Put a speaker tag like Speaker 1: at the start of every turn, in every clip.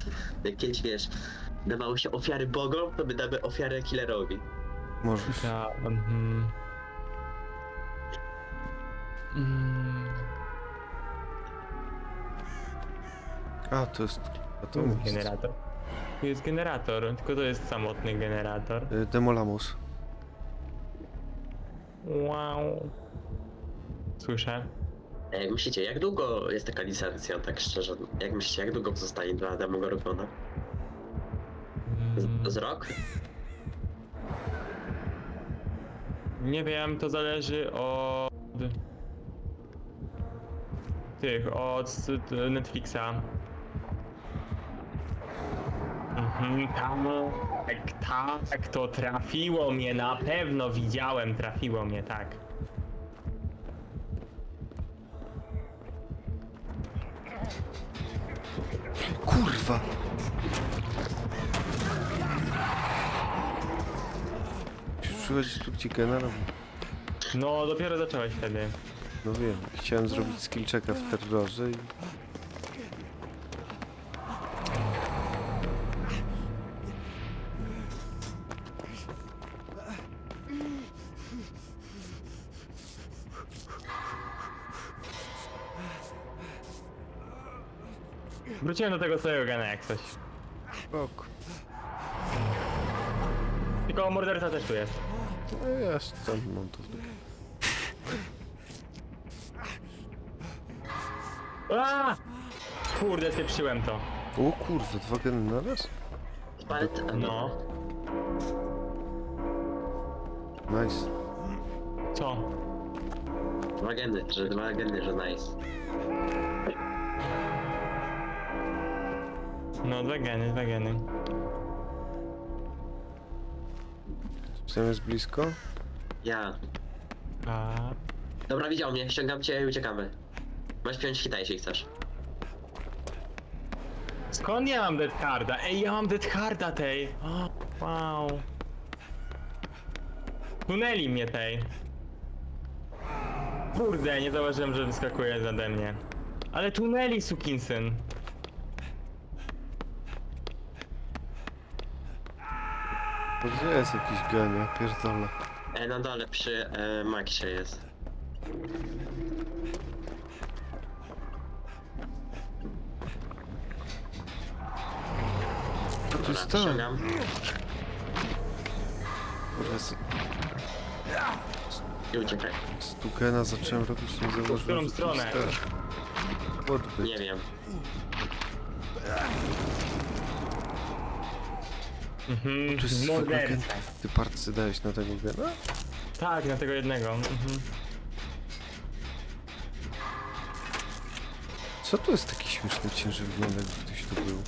Speaker 1: Jak kiedyś, wiesz, dawało się ofiary bogom, to my damy ofiarę killerowi.
Speaker 2: Możesz.
Speaker 3: Ja...
Speaker 2: A, to jest... A
Speaker 3: Tu
Speaker 2: to
Speaker 3: jest
Speaker 2: jest...
Speaker 3: generator. Tu jest generator, tylko to jest samotny generator.
Speaker 2: Demolamus.
Speaker 3: Wow. Słyszę.
Speaker 1: Jak myślicie, jak długo jest taka licencja, tak szczerze? Jak myślicie, jak długo zostanie dla Demogorgona? Z rok?
Speaker 3: Nie wiem, to zależy od... od Netflixa. Tak, to trafiło mnie, na pewno widziałem, trafiło mnie, tak.
Speaker 2: Kurwa! Przychodzi tu, gdzie generał.
Speaker 3: No, dopiero zacząłeś wtedy.
Speaker 2: No wiem, chciałem zrobić skill checka w terrorze i...
Speaker 3: Wróciłem do tego swojego gana jak coś.
Speaker 2: Ok.
Speaker 3: Tylko morderca też tu jest.
Speaker 2: No ja stąd mam to w dupie.
Speaker 3: Aaa! Kurde, spieprzyłem to.
Speaker 2: O kurwa, 2 geny na raz?
Speaker 1: Palet...
Speaker 3: No.
Speaker 2: Nice.
Speaker 3: Co?
Speaker 1: Dwa geny, że nice.
Speaker 3: No, dwa geny.
Speaker 2: Sam jest blisko?
Speaker 1: Ja.
Speaker 3: A...
Speaker 1: Dobra, widział mnie, ściągam cię i uciekamy. Masz piąć hita, jeśli chcesz.
Speaker 3: Skąd ja mam Death Carda? Ej, ja mam Death Carda tej! O, wow. Tuneli mnie tej. Kurde, nie zauważyłem, że wyskakuje zade mnie. Ale tuneli, sukinsyn.
Speaker 2: No gdzie jest jakiś gen, ja pierdolę.
Speaker 1: Na dole przy Maxie jest.
Speaker 2: Co tu
Speaker 1: Dobra,
Speaker 2: jest tam?
Speaker 1: ściągam.
Speaker 2: Kurwa,
Speaker 1: I uciekaj.
Speaker 2: z tu gena zacząłem robić, nie zauważyłem,
Speaker 3: W którą
Speaker 2: że tu
Speaker 3: stronę?
Speaker 2: jest ten odbyt.
Speaker 1: Nie wiem.
Speaker 3: Mhm,
Speaker 2: To jest zwykły gen.
Speaker 3: morderca.
Speaker 2: Ty parcy dałeś na tego gena?
Speaker 3: Tak, na tego jednego.
Speaker 2: Co tu jest taki śmieszny cień, że wygląda jakby ktoś tu był?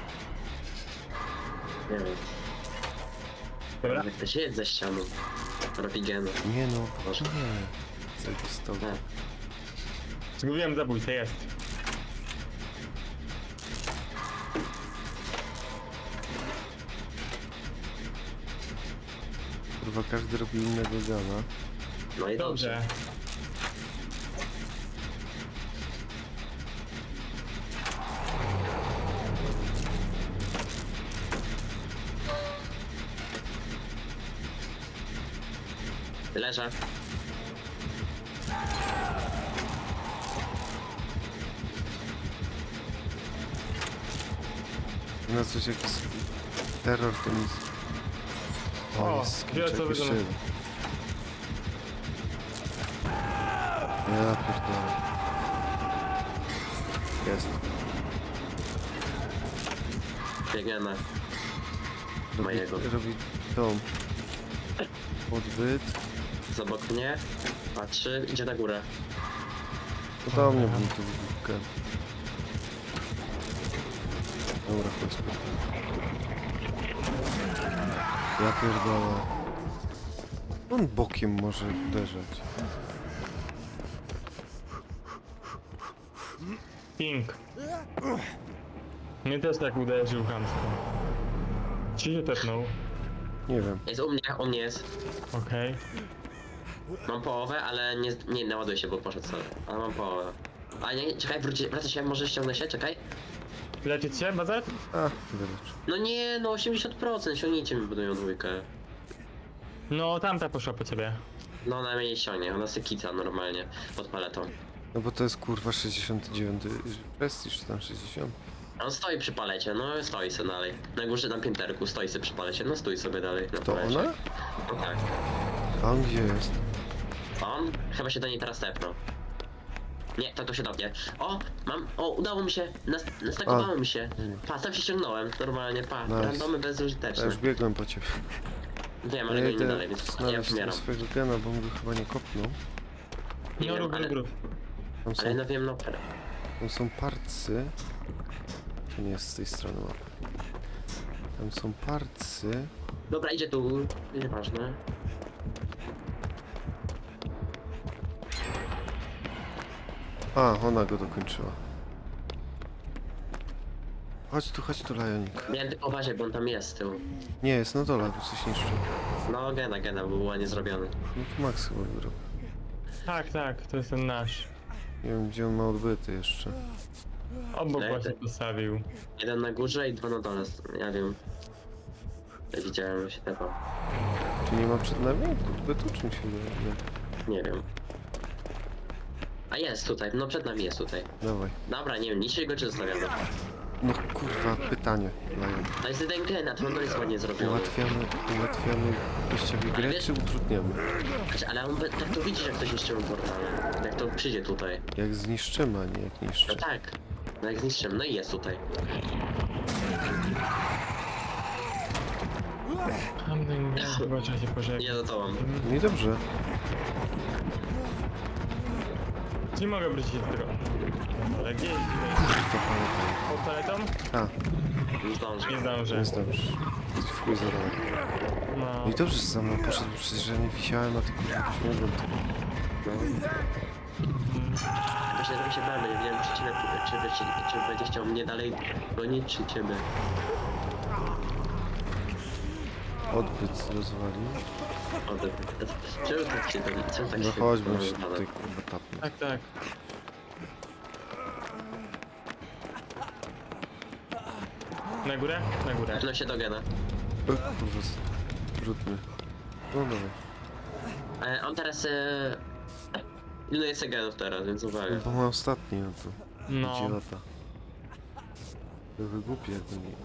Speaker 1: Nie wiem.
Speaker 3: Dobra.
Speaker 1: Jak to się jest ze ścianą. Robi geny.
Speaker 2: Nie no,
Speaker 1: Może.
Speaker 2: nie. Zajebistowo.
Speaker 1: Nie.
Speaker 3: Zgubiłem zabójcę, jest.
Speaker 2: Kurwa, każdy robi innego gana.
Speaker 1: No i dobrze.
Speaker 3: Dobrze.
Speaker 1: Leżę.
Speaker 2: Na coś jakiś terror to nic. O,
Speaker 3: O,
Speaker 2: jest
Speaker 3: wie, co
Speaker 2: skrzynczek jeszcze
Speaker 3: wygląda.
Speaker 2: jeden. Ja pierdolę. Jest.
Speaker 1: Biegniemy. Mojego.
Speaker 2: Robi dom. Odbyt.
Speaker 1: Z obok mnie. Patrzy, idzie na górę.
Speaker 2: To do mnie bym tu wybuchkę. Dobra, chodźmy. Ja pierdolę. On bokiem może uderzać.
Speaker 3: Pink. Mnie też tak uderzył chamsko. Ci się tepnął.
Speaker 2: Nie wiem.
Speaker 1: Jest u mnie jest.
Speaker 3: Okej.
Speaker 1: Mam połowę, ale nie naładuję się, bo poszedł sobie. Ale mam połowę. A nie, czekaj, wraca się, może ściągnę się, czekaj.
Speaker 3: Leczyć się, Bazar?
Speaker 2: A, wyleczę.
Speaker 1: No nie, no 80%, siągnijcie mi budują dwójkę.
Speaker 3: No, tamta poszła po ciebie.
Speaker 1: No ona mnie nie ściągnie, ona se kica normalnie, pod paletą.
Speaker 2: No bo to jest kurwa 69 prestiż, czy tam 60.
Speaker 1: A on stoi przy palecie, no stoi sobie dalej. Na górze, na pięterku, stoi sobie przy palecie, no stój sobie dalej na
Speaker 2: To
Speaker 1: palecie.
Speaker 2: ona?
Speaker 1: No tak.
Speaker 2: A on gdzie jest?
Speaker 1: On? Chyba się do niej teraz tepnął. Nie, to się do mnie. O, mam, o, udało mi się, nastakowało mi się. Pa, tam się ściągnąłem, normalnie, pa,
Speaker 2: Nice.
Speaker 1: randomy
Speaker 2: Ja
Speaker 1: bezużyteczne.
Speaker 2: już biegłem po ciebie.
Speaker 1: Wiem,
Speaker 2: Ja
Speaker 1: ale go nie
Speaker 2: idę
Speaker 1: dalej, więc ja
Speaker 2: znaleźć
Speaker 1: umieram.
Speaker 2: tego swojego gena, bo on go chyba nie kopnął.
Speaker 1: Nie
Speaker 3: No,
Speaker 1: wiem,
Speaker 3: rób,
Speaker 1: ale-
Speaker 3: rób, rób.
Speaker 2: Tam
Speaker 1: Ale
Speaker 2: są,
Speaker 1: no wiem, no,
Speaker 2: tam są parcy. To nie jest z tej strony mapy. Tam są parcy.
Speaker 1: dobra, idzie tu, nieważne.
Speaker 2: A, ona go dokończyła. Chodź tu, Lajonik.
Speaker 1: Miałem tylko uważać, bo on tam jest z tyłu.
Speaker 2: Nie, jest na dole, bo coś niszczy.
Speaker 1: No, gena, był ładnie zrobiony.
Speaker 2: No to Max chyba wygrał.
Speaker 3: Tak, to jest ten nasz.
Speaker 2: Nie wiem, gdzie on ma odbyty jeszcze.
Speaker 3: Obok
Speaker 1: Ej,
Speaker 3: właśnie
Speaker 1: ty.
Speaker 3: postawił.
Speaker 1: Jeden na górze i dwa na dole, ja wiem. Ja widziałem, że się tepał.
Speaker 2: Czy nie ma przed nami odbytu, czym się wydaje?
Speaker 1: Nie wiem. A jest tutaj, no przed nami jest tutaj.
Speaker 2: Dawaj.
Speaker 1: Dobra, nie wiem, niszczy go czy zostawiamy?
Speaker 2: No kurwa, pytanie, Lajon.
Speaker 1: To jest jeden gen, a to jest ładnie zrobiony.
Speaker 2: Ułatwiamy wyjściowi grę,
Speaker 1: wiesz-
Speaker 2: czy utrudniamy?
Speaker 1: Znaczy, ale on tak to widzi, jak ktoś niszczył portale. Jak to przyjdzie tutaj.
Speaker 2: Jak zniszczymy, a nie jak
Speaker 1: No
Speaker 2: niszczy.
Speaker 1: tak. No jak zniszczymy, no i jest tutaj.
Speaker 3: Chyba trzeba się pożegnać.
Speaker 1: Nie, no to mam.
Speaker 2: No i dobrze.
Speaker 3: Nie mogę wrócić do tego. Ale gdzie jest tutaj?
Speaker 2: Kurwa, pamiętam.
Speaker 3: Pod paletą?
Speaker 2: A,
Speaker 1: Nie zdążę.
Speaker 3: Nie zdążę.
Speaker 2: jest dobrze. Jesteś w chuj za daleko.
Speaker 3: No.
Speaker 2: No i dobrze, że za mną poszedł, bo przecież ja nie wisiałem, a ty kurwa byś mogłem to.
Speaker 1: No. Właśnie trochę się bałem, nie wiem, czy będzie chciał mnie dalej gonić, czy ciebie.
Speaker 2: Odbyt rozwalił.
Speaker 1: Czemu tak się tam, czemu tak
Speaker 2: No
Speaker 1: się
Speaker 2: chodź, bym się
Speaker 1: rozwala?
Speaker 2: tutaj kurwa tapnął.
Speaker 3: Tak. Na górę? Na górę.
Speaker 1: No się do gena.
Speaker 2: Kurwa, trudny. No dobra.
Speaker 1: On teraz... Ile jest genów teraz, więc uwaga.
Speaker 2: No bo ma ostatni, no to.
Speaker 3: No.
Speaker 2: Gdzie lata? Były głupie, jakby nie.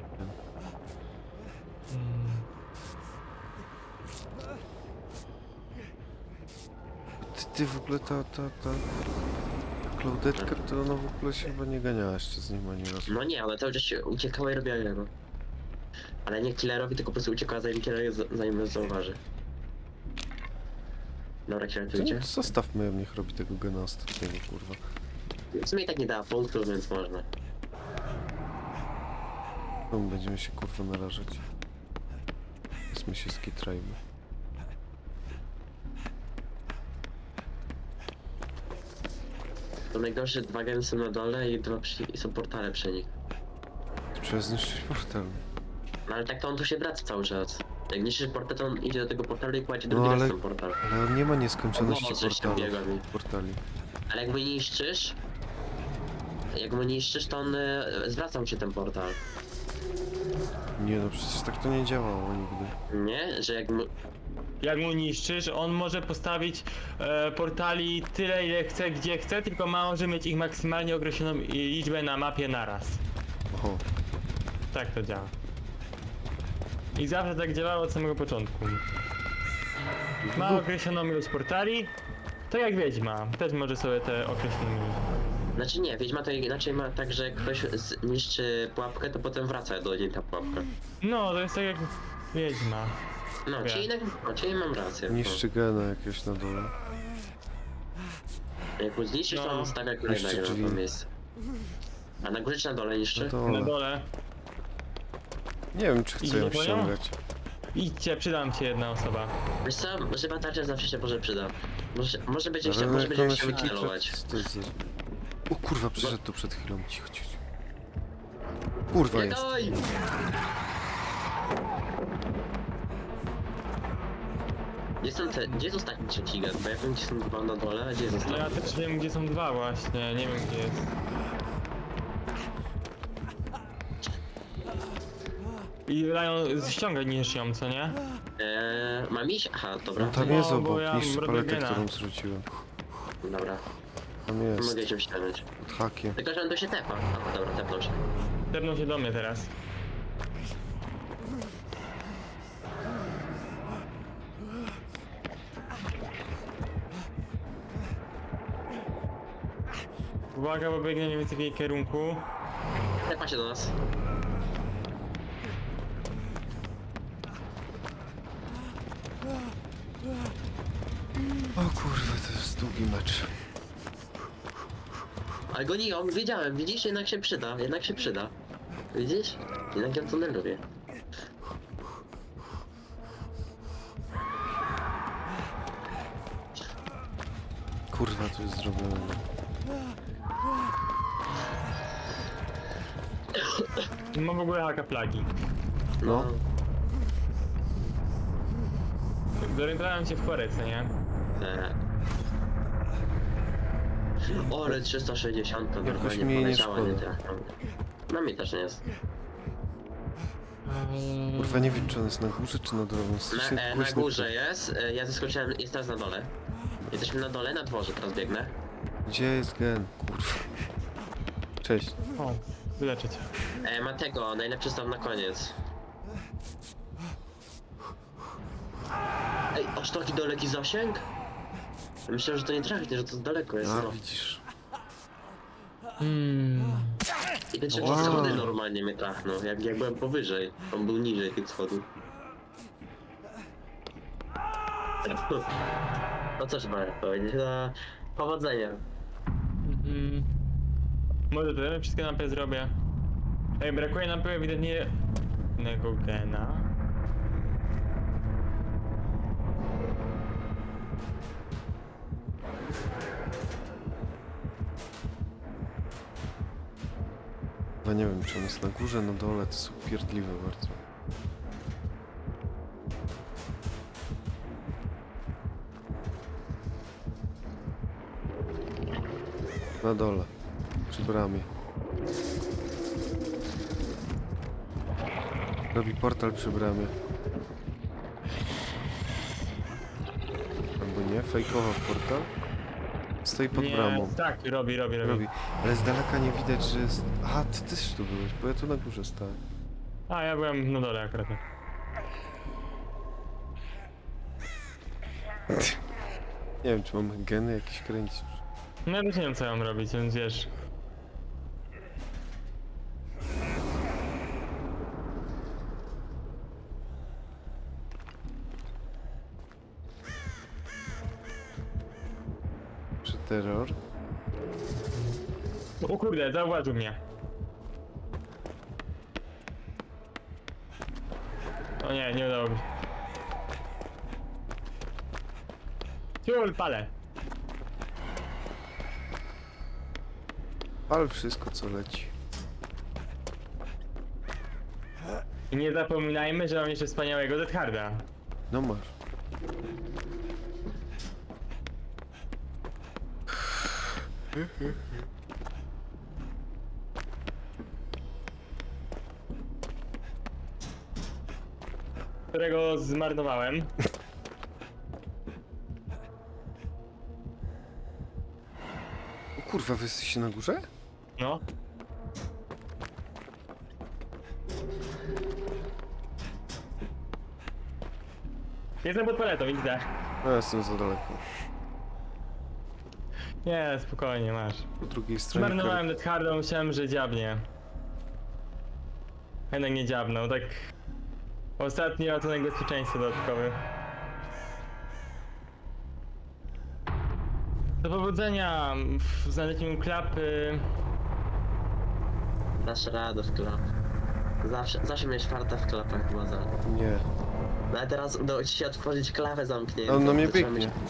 Speaker 2: Ty w ogóle ta Klaudetka, to ona w ogóle się chyba nie ganiała jeszcze z nim ani razu.
Speaker 1: No nie, ona cały czas się uciekała i robiła gena. Ale nie killerowi, tylko po prostu uciekała zanim killer zanim nas zauważy. Dobra, killer tu
Speaker 2: To
Speaker 1: idzie.
Speaker 2: nie, zostawmy ją, niech robi tego gena ostatniego, kurwa.
Speaker 1: W sumie i tak nie dała punktu, więc można.
Speaker 2: No, będziemy się kurwa narażać. Więc my się skitrajmy.
Speaker 1: To najgorsze, dwa geny są na dole i i są portale przy nich.
Speaker 2: Trzeba zniszczyć portal.
Speaker 1: No ale tak to on tu się wraca cały czas. Jak niszczysz portal, to on idzie do tego portalu i kładzie
Speaker 2: No,
Speaker 1: drugi raz
Speaker 2: ale-
Speaker 1: ten portal.
Speaker 2: Ale on nie ma nieskończoności
Speaker 1: No, coś tam
Speaker 2: portalów.
Speaker 1: biega mi.
Speaker 2: Portali.
Speaker 1: Ale jak mu niszczysz... Jak mu niszczysz, to on zwracał ci ten portal.
Speaker 2: Nie no, przecież tak to nie działało nigdy.
Speaker 1: Nie? Że jak mu...
Speaker 3: Jak mu niszczysz, on może postawić portali tyle ile chce, gdzie chce, tylko może mieć ich maksymalnie określoną liczbę na mapie naraz.
Speaker 2: Oho.
Speaker 3: Tak to działa. I zawsze tak działało od samego początku. Ma określoną ilość portali, to jak Wiedźma, też może sobie te określone...
Speaker 1: Znaczy nie, Wiedźma to inaczej ma tak, że jak ktoś niszczy pułapkę, to potem wraca do niej ta pułapka.
Speaker 3: No, to jest tak jak Wiedźma.
Speaker 1: No,
Speaker 3: Wiem.
Speaker 1: czyli mam rację.
Speaker 2: Niszczy gena jakieś na dole.
Speaker 1: Jak mu zniszczysz, to
Speaker 3: No.
Speaker 1: on stawia kolejnego
Speaker 2: Niszczy
Speaker 1: na
Speaker 2: drzwi.
Speaker 1: to miejsce. A na górze czy na dole niszczy?
Speaker 2: Na
Speaker 3: Na
Speaker 2: dole.
Speaker 3: dole.
Speaker 2: Nie wiem, czy chcę ją
Speaker 3: Idzie po nią?
Speaker 2: ściągać.
Speaker 3: Idźcie, przydam ci jedna osoba.
Speaker 1: Wiesz co, żywa tarcza zawsze się może przyda. Może będzie
Speaker 2: Ale
Speaker 1: chciał, może
Speaker 2: jak
Speaker 1: będzie
Speaker 2: ona
Speaker 1: chciał
Speaker 2: się
Speaker 1: celować.
Speaker 2: kicze, to jest za... O kurwa, przyszedł tu przed chwilą. Cicho. Kurwa
Speaker 1: Nie
Speaker 2: jest.
Speaker 1: daj! Gdzie jest ostatni trzeci gen? Bo ja wiem, gdzie są dwa na dole, a gdzie jest
Speaker 3: No ja
Speaker 1: ostatni?
Speaker 3: też wiem, gdzie są dwa właśnie, nie wiem gdzie jest. I dają, ściągaj niż ją, co nie?
Speaker 1: Mam iść? Aha, dobra.
Speaker 2: No tam
Speaker 3: No,
Speaker 2: jest
Speaker 3: bo
Speaker 2: obok,
Speaker 3: ja
Speaker 2: niż
Speaker 3: robię
Speaker 2: paletę,
Speaker 3: gena.
Speaker 2: którą zrzuciłem.
Speaker 1: Dobra.
Speaker 2: Tam jest,
Speaker 1: Mogę się wściągnąć.
Speaker 2: pod hakiem.
Speaker 1: Tylko, że on tu się tepa. Aha, dobra, tepnął się.
Speaker 3: Tepnął się do mnie teraz. Uwaga, bo biegnie mniej więcej w jej kierunku.
Speaker 1: Tepa się do nas.
Speaker 2: O kurwa, to jest długi mecz.
Speaker 1: Ale go nie, wiedziałem, widzisz? Jednak się przyda, jednak się przyda. Widzisz? Jednak ja to nie lubię.
Speaker 2: Kurwa, to jest zrobione.
Speaker 3: Mam w ogóle haka plagi.
Speaker 2: No.
Speaker 3: Zorientowałem się w korece, nie?
Speaker 1: O, ale 360
Speaker 2: Jakoś
Speaker 1: normalnie
Speaker 2: mniej nie
Speaker 1: poleciała, nie
Speaker 2: szkoda.
Speaker 1: trafiam. No mi też nie jest.
Speaker 2: Kurwa, nie wiem, czy on jest na górze, czy na dole. On jest strasznie
Speaker 1: Na
Speaker 2: głośny.
Speaker 1: górze jest, ja zaskoczyłem, jest teraz na dole. Jesteśmy na dole, na dworze teraz biegnę.
Speaker 2: Gdzie jest gen? Kurwa. Cześć.
Speaker 3: O, wyleczyć.
Speaker 1: Ma tego, najlepszy staw na koniec. Ej, aż taki daleki zasięg? Myślałem, że to nie trafi, że to daleko jest.
Speaker 2: A,
Speaker 1: No.
Speaker 2: widzisz.
Speaker 1: I ten trzeci
Speaker 2: Wow.
Speaker 1: schody normalnie mnie trafnął, jak byłem powyżej. On był niżej tych schodów. No cóż mogę powiedzieć, no powodzenia.
Speaker 3: Może to ja wszystkie napy zrobię. Ej, brakuje napy ewidentnie jednego gena.
Speaker 2: No nie wiem, czy on jest na górze, na dole. To jest upierdliwe bardzo. Na dole. Przy bramie. Robi portal przy bramie. Albo nie, fejkował portal. Stoi pod
Speaker 3: Nie,
Speaker 2: bramą.
Speaker 3: tak, robi.
Speaker 2: Robi. Ale z daleka nie widać, że jest... Aha, ty też tu byłeś, bo ja tu na górze stałem.
Speaker 3: A, ja byłem na dole akurat.
Speaker 2: Nie wiem, czy mam geny jakieś kręcić.
Speaker 3: No ja też nie wiem co mam robić, więc wiesz.
Speaker 2: Czy terror?
Speaker 3: O kurde, zauważył mnie. O nie, nie udało mi się. Ciul, palę.
Speaker 2: Ale wszystko, co leci.
Speaker 3: I nie zapominajmy, że mam jeszcze wspaniałego Death Harda.
Speaker 2: No masz.
Speaker 3: Którego zmarnowałem.
Speaker 2: O kurwa, wy jesteście na górze?
Speaker 3: No. Jestem pod paletą, widzę.
Speaker 2: No, ja jestem za daleko.
Speaker 3: Nie, spokojnie, masz.
Speaker 2: Po drugiej stronie
Speaker 3: Zmarnowałem Death Harda, myślałem, że dziabnie. Jednak nie dziabnął, tak... Ostatni ratunek bezpieczeństwa dodatkowy. Do powodzenia w znalezieniu klapy.
Speaker 1: Dasz radę w klap. Zawsze miałeś farta w klapach, chyba za.
Speaker 2: Nie.
Speaker 1: No a teraz udało ci się otworzyć klawę zamkniętą.
Speaker 2: On na mnie
Speaker 1: To trzeba
Speaker 2: biegnie.
Speaker 1: mieć-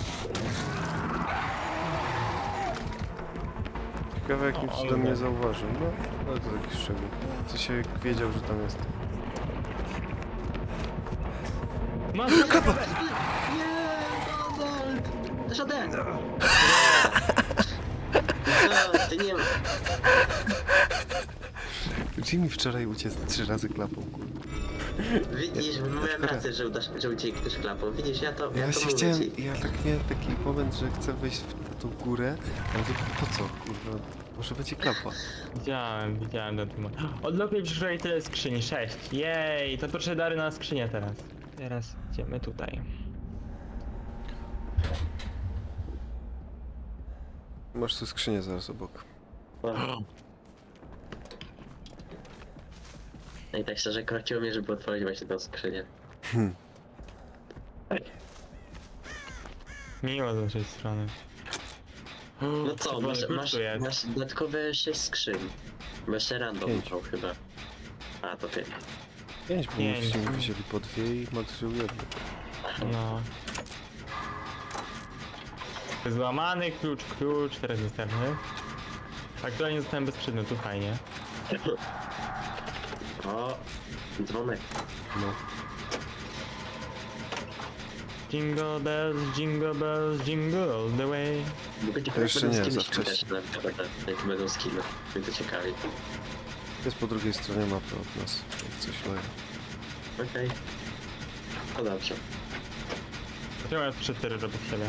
Speaker 2: Ciekawe, jakim
Speaker 3: O,
Speaker 2: cudem
Speaker 3: ale
Speaker 2: mnie
Speaker 3: tak.
Speaker 2: zauważył. No, ale to taki szczegół. Co się wiedział, że tam jest.
Speaker 3: Masz
Speaker 2: Klapa!
Speaker 1: Nie, Donald! Też ode! Co? Ty nie ma.
Speaker 2: Jimmy wczoraj uciekł 3 razy klapą, kurwa.
Speaker 1: Widzisz, moja praca, że uciekniesz klapą. Widzisz, ja to
Speaker 2: Ja się
Speaker 1: mówię
Speaker 2: chciałem,
Speaker 1: ci.
Speaker 2: ja tak miałem taki moment, że chcę wejść na tą górę, ale mówię, po co, kurwa, może będzie klapa.
Speaker 3: Widziałem ten temat. Odlokuj przyszłej tyle skrzyni, 6. Jej, to proszę dary na skrzynię teraz. Teraz idziemy tutaj.
Speaker 2: Masz tu skrzynię zaraz obok.
Speaker 1: No i tak szczerze krociło mnie, żeby otworzyć właśnie tą skrzynię.
Speaker 3: Miło z naszej strony.
Speaker 1: No co,
Speaker 3: Tu jest.
Speaker 1: masz dodatkowe 6 skrzyń. Bo jeszcze random
Speaker 2: 5.
Speaker 1: miał chyba. A, to 5.
Speaker 2: 5, bo
Speaker 3: Pięć.
Speaker 2: myście mi wzięli po 2 i Max wziął jedno.
Speaker 3: No. Złamany klucz, teraz następny. Aktualnie zostałem bez przedmiotu, fajnie.
Speaker 1: O, dzwonek.
Speaker 2: No.
Speaker 3: Jingle bells, jingle all the way.
Speaker 1: Mogę ci
Speaker 2: To jeszcze
Speaker 1: będą
Speaker 2: nie,
Speaker 1: skiny
Speaker 2: za
Speaker 1: świetne,
Speaker 2: wcześnie.
Speaker 1: jak będą skiny. Mnie to ciekawi.
Speaker 2: Jest po drugiej stronie mapy od nas, jak coś leje.
Speaker 1: Okej. To dobrze.
Speaker 3: Czemu ja 4 robię siebie?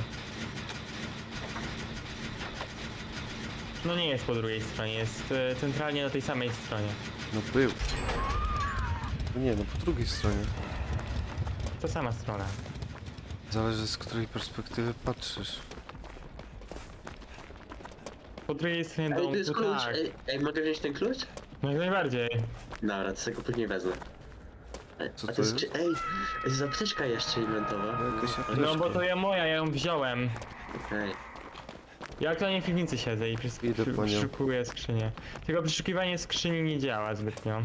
Speaker 3: No nie jest po drugiej stronie, jest centralnie na tej samej stronie.
Speaker 2: No był. No nie, no po drugiej stronie.
Speaker 3: To sama strona.
Speaker 2: Zależy z której perspektywy patrzysz.
Speaker 3: Po drugiej stronie
Speaker 1: Ej,
Speaker 3: domu,
Speaker 1: tu jest klucz.
Speaker 3: tak.
Speaker 1: Ej, mogę wziąć ten klucz?
Speaker 3: No jak najbardziej.
Speaker 1: Dobra, to sobie go później wezmę.
Speaker 2: Co
Speaker 1: A
Speaker 2: to
Speaker 1: jest?
Speaker 2: jest?
Speaker 1: Ej, jest apteczka jeszcze inwentowa.
Speaker 2: No, jakaś apteczka.
Speaker 3: No bo to ja moja, ja ją wziąłem.
Speaker 1: Okej.
Speaker 3: Ja aktualnie w piwnicy siedzę i
Speaker 2: Idę po nią.
Speaker 3: przeszukuję skrzynię. Tylko przeszukiwanie skrzyni nie działa zbytnio.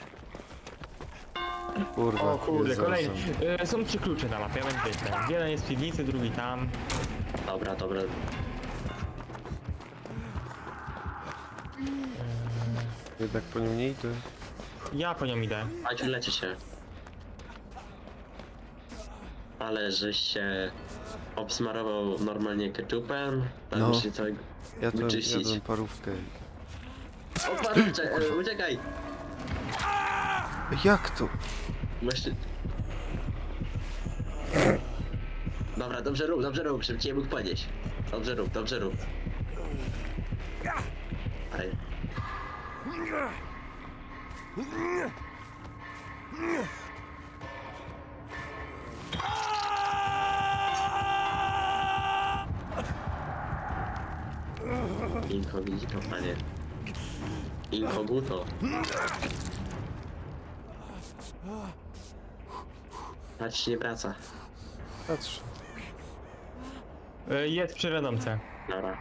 Speaker 2: Kurwa,
Speaker 3: O kurde,
Speaker 2: jest
Speaker 3: kolejny.
Speaker 2: zaraz.
Speaker 3: Są 3 klucze na mapie, ja będę wiedział. Jeden jest w piwnicy, drugi tam.
Speaker 1: Dobra.
Speaker 2: Jednak po nią nie idę.
Speaker 3: Ja po nią idę.
Speaker 1: Chodź, leci się. Ale żeś się obsmarował normalnie ketchupem, tam
Speaker 2: No.
Speaker 1: się całego...
Speaker 2: Jadłem
Speaker 1: Wyczyścić.
Speaker 2: parówkę.
Speaker 1: O, parówcze, uciekaj!
Speaker 2: Jak to?
Speaker 1: Właśnie... Dobra, dobrze rób, żebym cię mógł podnieść. Dobrze rób. Aj. Inkognito, panie. Inkoguto. Patrz, nie wraca.
Speaker 2: Patrz.
Speaker 3: Jest przy wiadomce.
Speaker 1: Dobra.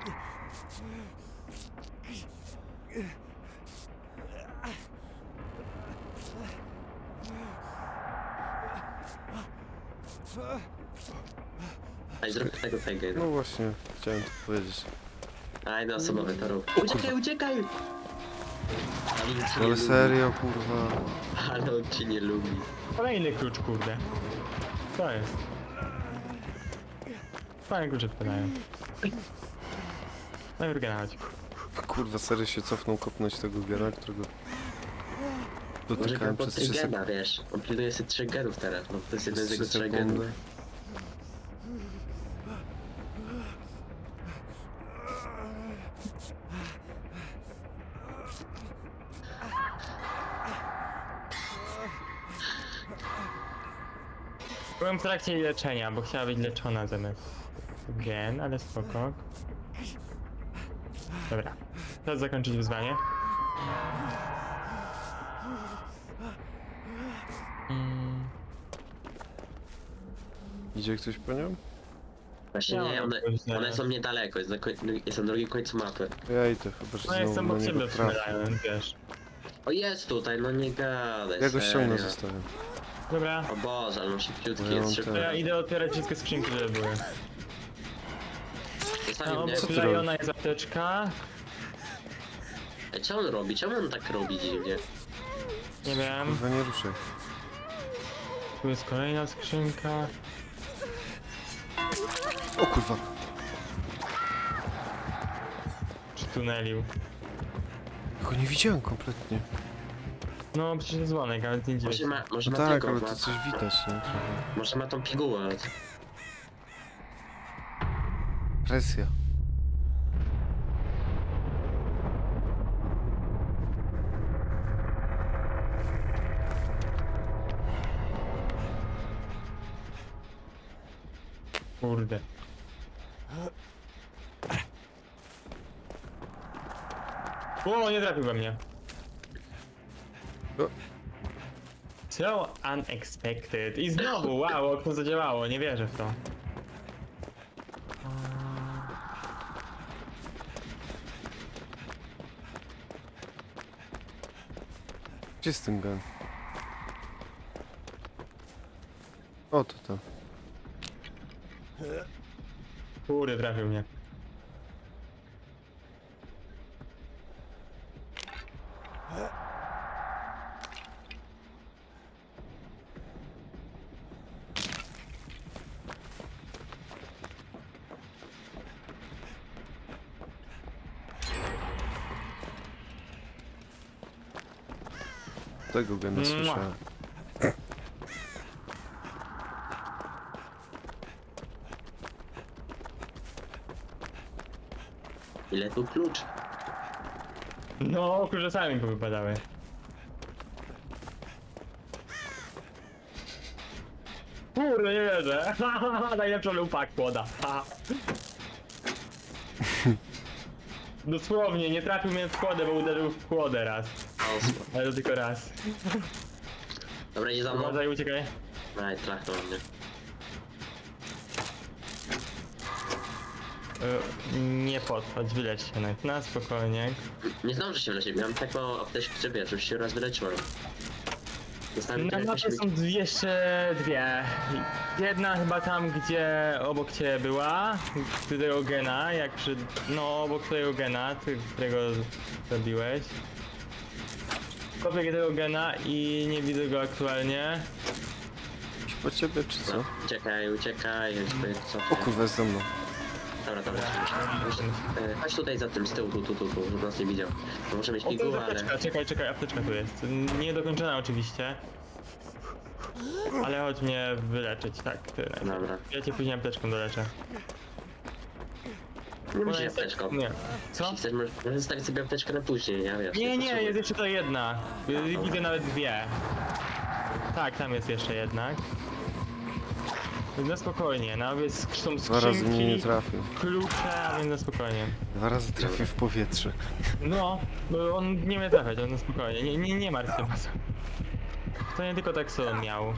Speaker 1: Ej, zrób tego tego.
Speaker 2: No właśnie, chciałem to powiedzieć.
Speaker 1: A, jeden osobowy to rób. Uciekaj! Ale on cię nie
Speaker 2: Ale
Speaker 1: lubi.
Speaker 2: serio, kurwa.
Speaker 1: Ale on cię nie lubi.
Speaker 3: Kolejny klucz, kurde. Co jest? Fajne klucze wpadają. Najpierw chodź.
Speaker 2: Kurwa, serio się cofnął kopnąć tego gena, którego
Speaker 1: Może
Speaker 2: dotykałem
Speaker 1: go
Speaker 2: przez
Speaker 1: pod
Speaker 2: 3 sekundy.
Speaker 1: gena, wiesz. On pilnuje sobie 3 genów teraz, no to jest jeden z jego 3
Speaker 2: sekundy.
Speaker 1: genów.
Speaker 3: Byłem w trakcie jej leczenia, bo chciała być leczona zamiast gen, ale spoko. Dobra, czas zakończyć wyzwanie.
Speaker 2: Idzie ktoś po nią?
Speaker 1: Właśnie
Speaker 3: Ja
Speaker 1: nie,
Speaker 3: mam coś
Speaker 1: one
Speaker 3: zaraz.
Speaker 1: są niedaleko, jest na drugim końcu mapy.
Speaker 2: Ja idę, chyba że
Speaker 3: No jestem
Speaker 2: znowu
Speaker 3: obok
Speaker 2: na
Speaker 3: ciebie
Speaker 2: niego
Speaker 3: w
Speaker 2: trafię.
Speaker 3: Summerland, wiesz.
Speaker 1: O, jest tutaj, no nie gadaj,
Speaker 2: Ja go ściągnę,
Speaker 1: serio.
Speaker 2: zostawię.
Speaker 3: Dobra,
Speaker 1: O Boże, ale on szybciutki
Speaker 2: No ja
Speaker 1: jest
Speaker 2: mam
Speaker 1: szybko.
Speaker 3: to ja idę otwierać wszystkie skrzynki, które były.
Speaker 1: Zostawił mnie.
Speaker 2: co ty
Speaker 3: Oklejona
Speaker 2: robisz?
Speaker 3: jest apteczka.
Speaker 1: Ej, co on robi? Czemu on tak robi dziwnie?
Speaker 3: Nie wiem,
Speaker 2: Kurwa, nie ruszaj.
Speaker 3: tu jest kolejna skrzynka.
Speaker 2: O kurwa.
Speaker 3: Czy tunelił?
Speaker 2: Go nie widziałem kompletnie.
Speaker 3: No przecież jest dzwonek, ale nie dziwię
Speaker 1: Może
Speaker 3: się.
Speaker 1: może
Speaker 2: No
Speaker 1: ma
Speaker 2: tak,
Speaker 1: tego,
Speaker 2: ale
Speaker 1: ma,
Speaker 2: to coś widać, nie? Trochę.
Speaker 1: może ma tą pigułę.
Speaker 2: Presja.
Speaker 3: Kurde. O, nie trafił we mnie.
Speaker 2: O.
Speaker 3: So unexpected. I znowu, wow, okno zadziałało, nie wierzę w to.
Speaker 2: Gdzie jest ten gun? O, to tam.
Speaker 3: Kurde, trafił mnie.
Speaker 2: Tego gena słyszałem.
Speaker 1: Ile tu klucz?
Speaker 3: No, kurze sami powypadały. Kurde, nie wierzę. Najlepsza lupa kłoda. Dosłownie, nie trafił mnie w kłodę, bo uderzył w kłodę raz.
Speaker 1: O,
Speaker 3: Ale to tylko raz.
Speaker 1: dobra, idzie za mną.
Speaker 3: Uważaj, uciekaj.
Speaker 1: Aj, trachnął mnie.
Speaker 3: Nie podchodź, wyleć się na spokojnie.
Speaker 1: Nie zdążę się wyleczyć, miałem tak mało apteczki, że wiesz, już się raz wyleczyłem. Dostałem
Speaker 3: Na
Speaker 1: tyle
Speaker 3: mapie
Speaker 1: jakoś...
Speaker 3: są jeszcze dwie. Jedna chyba tam, gdzie obok ciebie była, tego gena, jak przy... no obok twojego gena, którego zabiłeś. Kopię tego gena i nie widzę go aktualnie.
Speaker 2: Iść po ciebie, czy co?
Speaker 1: No, uciekaj, ja sobie
Speaker 2: O
Speaker 1: cofnę.
Speaker 2: kurwa, jest za mną.
Speaker 1: Dobra, chodź tutaj za tym, z tyłu, tu, żeby nas nie widział. To może mieć
Speaker 3: O, to jest
Speaker 1: pigułę, ale...
Speaker 3: apteczka, czekaj, apteczka tu jest. Niedokończona oczywiście. Ale chodź mnie wyleczyć, tak, ty najpierw.
Speaker 1: Dobra.
Speaker 3: Ja cię później apteczką doleczę.
Speaker 1: Nie musisz apteczką.
Speaker 3: Nie. Co?
Speaker 1: Jeśli chcesz, możesz zostawić sobie apteczkę na później, ja wiesz.
Speaker 3: Nie, nie,
Speaker 1: potrzebuję.
Speaker 3: jest jeszcze to jedna. Widzę nawet dwie. Tak, tam jest jeszcze jednak. Na spokojnie, no więc są
Speaker 2: Dwa razy mnie nie
Speaker 3: skrzynki,
Speaker 2: trafił.
Speaker 3: klucze, a więc na spokojnie.
Speaker 2: 2 razy trafił w powietrze.
Speaker 3: No, bo on nie mnie trafiać, on na spokojnie, nie martw się. To nie tylko tak co miał.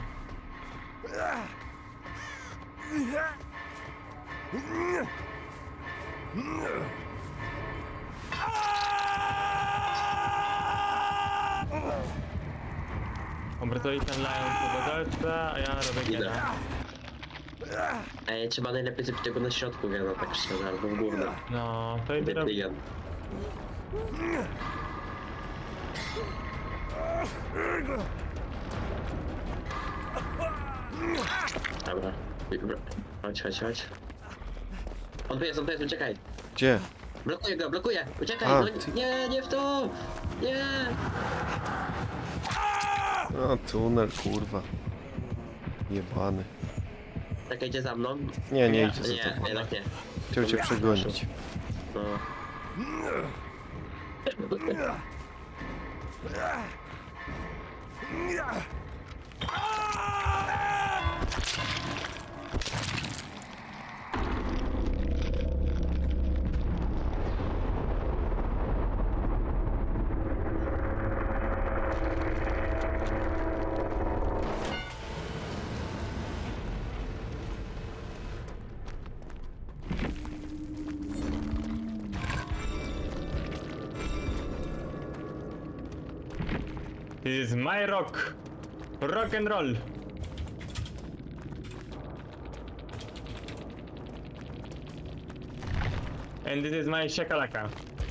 Speaker 3: Dobra, to i ten Lion to delta, a ja robię
Speaker 1: Idę.
Speaker 3: gena.
Speaker 1: Ej, trzeba najlepiej zrobić tego na środku, no tak szczerze, albo w górę.
Speaker 3: No, to idę robić.
Speaker 1: Biegam. Dobra. Chodź. On tu jest, uciekaj.
Speaker 2: Gdzie?
Speaker 1: Blokuję, uciekaj,
Speaker 2: A,
Speaker 1: no
Speaker 2: ty-
Speaker 1: nie w to! Nie!
Speaker 2: O, tunel, kurwa. Jebany.
Speaker 1: Czekaj, idzie za mną.
Speaker 2: Nie
Speaker 3: Nie,
Speaker 2: idzie za
Speaker 1: Nie,
Speaker 2: tobą.
Speaker 1: jednak nie.
Speaker 2: Chciał cię przegonić.
Speaker 1: No.
Speaker 3: This is my rock. Rock and roll. And this is my shakalaka.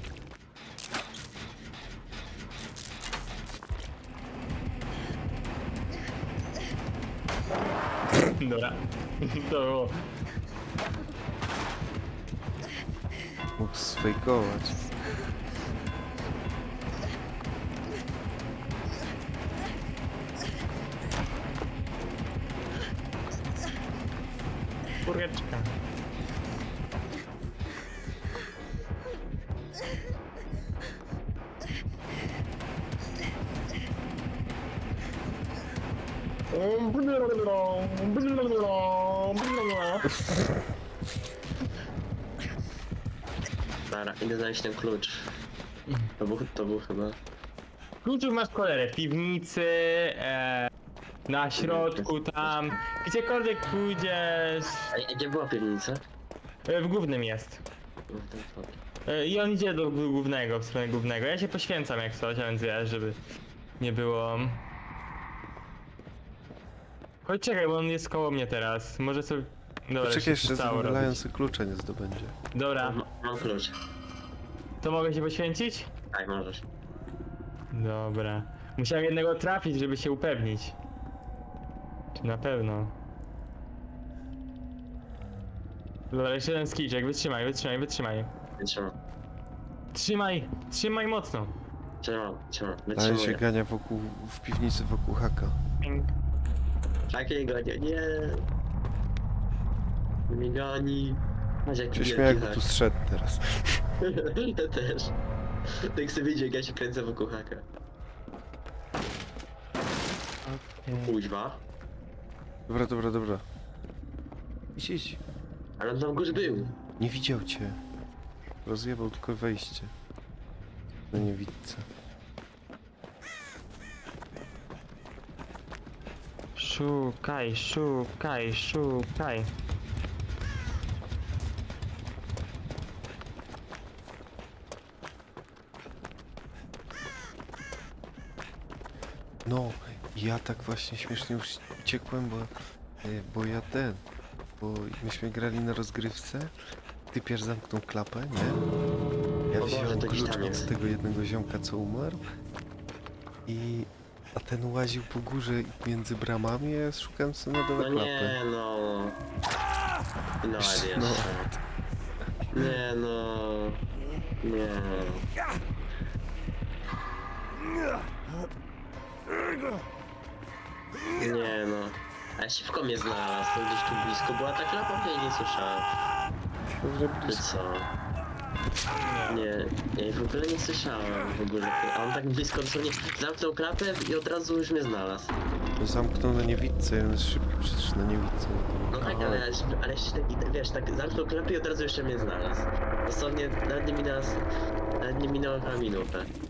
Speaker 3: Dobra. To było.
Speaker 2: Mógł sfejkować.
Speaker 3: książeczka.
Speaker 1: Dobra, idę znaleźć ten klucz. To był chyba...
Speaker 3: Kluczów masz cholerę w piwnicy, na środku tam, gdziekolwiek pójdziesz,
Speaker 1: A gdzie była piwnica?
Speaker 3: w głównym jest.
Speaker 1: No, to dobra.
Speaker 3: I on idzie do głównego, w stronę głównego. Ja się poświęcam jak coś, a więc wiesz, żeby nie było... Chodź czekaj, bo on jest koło mnie teraz. Może sobie... Dobra,
Speaker 2: Poczekaj
Speaker 3: się
Speaker 2: jeszcze,
Speaker 3: stało
Speaker 2: zanim
Speaker 3: robić.
Speaker 2: Lionsy klucza nie zdobędzie.
Speaker 3: Dobra,
Speaker 1: Mam klucz.
Speaker 3: to mogę się poświęcić?
Speaker 1: Tak, możesz.
Speaker 3: Dobra. Musiałem jednego trafić, żeby się upewnić. Czy na pewno? Dobra, jeszcze jeden skiczek, wytrzymaj.
Speaker 1: Trzymam.
Speaker 3: Trzymaj mocno.
Speaker 1: Trzymam.
Speaker 2: Lion się
Speaker 1: Wytrzymuję.
Speaker 2: gania w piwnicy wokół haka.
Speaker 1: Takiego nie. Mi goni. Masz jak
Speaker 2: Się śmieję, jakby tu zszedł teraz.
Speaker 1: Ja też. Tak sobie widzi, jak ja się kręcę wokół haka. Kuźwa.
Speaker 2: Dobra. Idź.
Speaker 1: Ale on tam już był.
Speaker 2: Nie widział cię. Rozjebał tylko wejście. Na niewidce.
Speaker 3: Szukaj.
Speaker 2: No, ja tak właśnie śmiesznie już uciekłem, bo bo myśmy grali na rozgrywce, typiarz zamknął klapę, nie? Ja
Speaker 1: O Boże,
Speaker 2: wziąłem
Speaker 1: to gdzieś
Speaker 2: klucz
Speaker 1: tam
Speaker 2: od
Speaker 1: jest.
Speaker 2: tego jednego ziomka, co umarł a ten łaził po górze między bramami, a ja szukałem sobie na dole
Speaker 1: No
Speaker 2: klapy.
Speaker 1: nie no. No
Speaker 2: Jeszcze,
Speaker 1: jeszcze.
Speaker 2: no.
Speaker 1: Nie no. Nie. Nie no. A szybko mnie znalazł, to gdzieś tu blisko była ta klapa, ja jej nie słyszałem.
Speaker 2: Dobrze
Speaker 1: Ty
Speaker 2: blisko.
Speaker 1: co? Nie, ja jej w ogóle nie słyszałem w ogóle. A on tak blisko dosłownie zamknął klapę i od razu już mnie znalazł.
Speaker 2: No zamknął na niewidce, on jest szybki przecież na niewidce.
Speaker 1: No tak, ale jeszcze tak, wiesz, tak zamknął klapę i od razu jeszcze mnie znalazł. Dosłownie nawet nie minęła chyba minuta.